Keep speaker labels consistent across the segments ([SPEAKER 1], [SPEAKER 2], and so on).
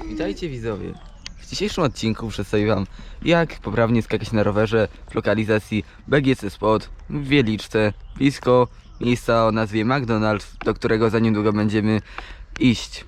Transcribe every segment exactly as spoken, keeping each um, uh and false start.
[SPEAKER 1] Witajcie widzowie. W dzisiejszym odcinku przedstawię wam, jak poprawnie skakać na rowerze w lokalizacji B G C Spot w Wieliczce, blisko miejsca o nazwie McDonald's, do którego za niedługo będziemy iść.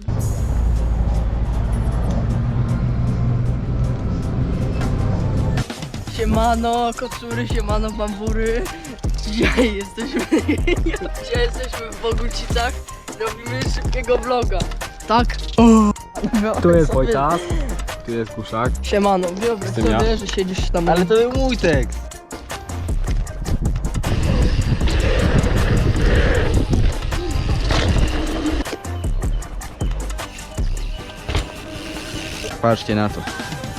[SPEAKER 2] Siemano, kocury, siemano, bambury. Dzisiaj jesteśmy, dzisiaj jesteśmy w Bogucicach. Robimy szybkiego vloga. Tak?
[SPEAKER 3] Tu jest Wojtas, tu jest Kuszak.
[SPEAKER 2] Siemano, wyobraź
[SPEAKER 3] Jestem ja.
[SPEAKER 2] sobie, że siedzisz tam.
[SPEAKER 1] Ale to był mój tekst. Patrzcie na to.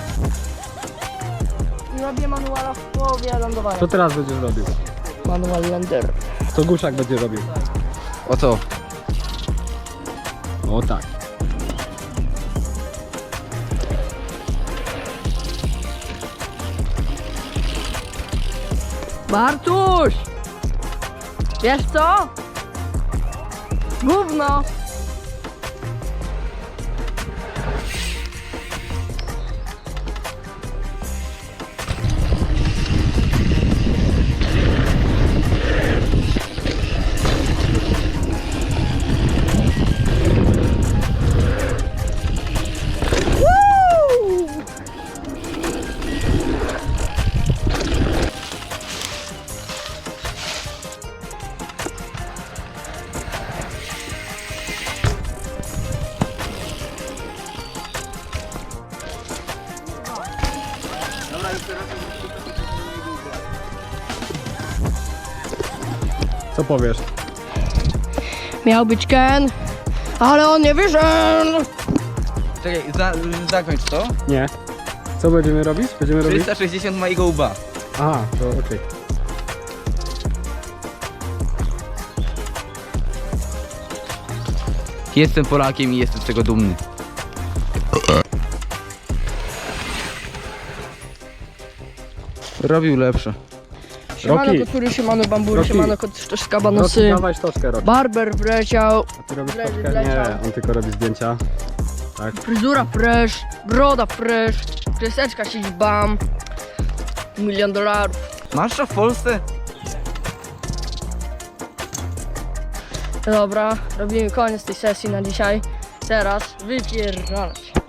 [SPEAKER 2] Robię manuala w połowie lądowania.
[SPEAKER 3] Co teraz będziesz robił?
[SPEAKER 2] Manual lander.
[SPEAKER 3] Co Kuszak będzie robił?
[SPEAKER 1] O to.
[SPEAKER 3] O tak.
[SPEAKER 2] Bartuś! Wiesz co? Gówno!
[SPEAKER 3] Co powiesz?
[SPEAKER 2] Miał być Ken, ale on nie wyszedł!
[SPEAKER 1] Czekaj, za, zakończ to.
[SPEAKER 3] Nie. Co będziemy robić? Będziemy robić?
[SPEAKER 1] trzysta sześćdziesiąt mojego łba.
[SPEAKER 3] Aha, to okej.
[SPEAKER 1] Jestem Polakiem i jestem z tego dumny. Robił lepsze.
[SPEAKER 2] Siemano,
[SPEAKER 3] Roki.
[SPEAKER 2] kocury, siemano, bambury,
[SPEAKER 3] Roki.
[SPEAKER 2] siemano, koczka,
[SPEAKER 3] Roki,
[SPEAKER 2] banosy.
[SPEAKER 3] dawaj sztoczkę robić.
[SPEAKER 2] Barber wleciał,
[SPEAKER 3] A ty robisz
[SPEAKER 2] Wleci,
[SPEAKER 3] sztoczkę?
[SPEAKER 2] wleciał.
[SPEAKER 3] Nie, on tylko robi zdjęcia. Tak.
[SPEAKER 2] fryzura fresh, broda fresh, kreseczka siedzi bam, milion dolarów.
[SPEAKER 1] Masz to w Polsce?
[SPEAKER 2] Dobra, robimy koniec tej sesji na dzisiaj. Teraz wypierdalać.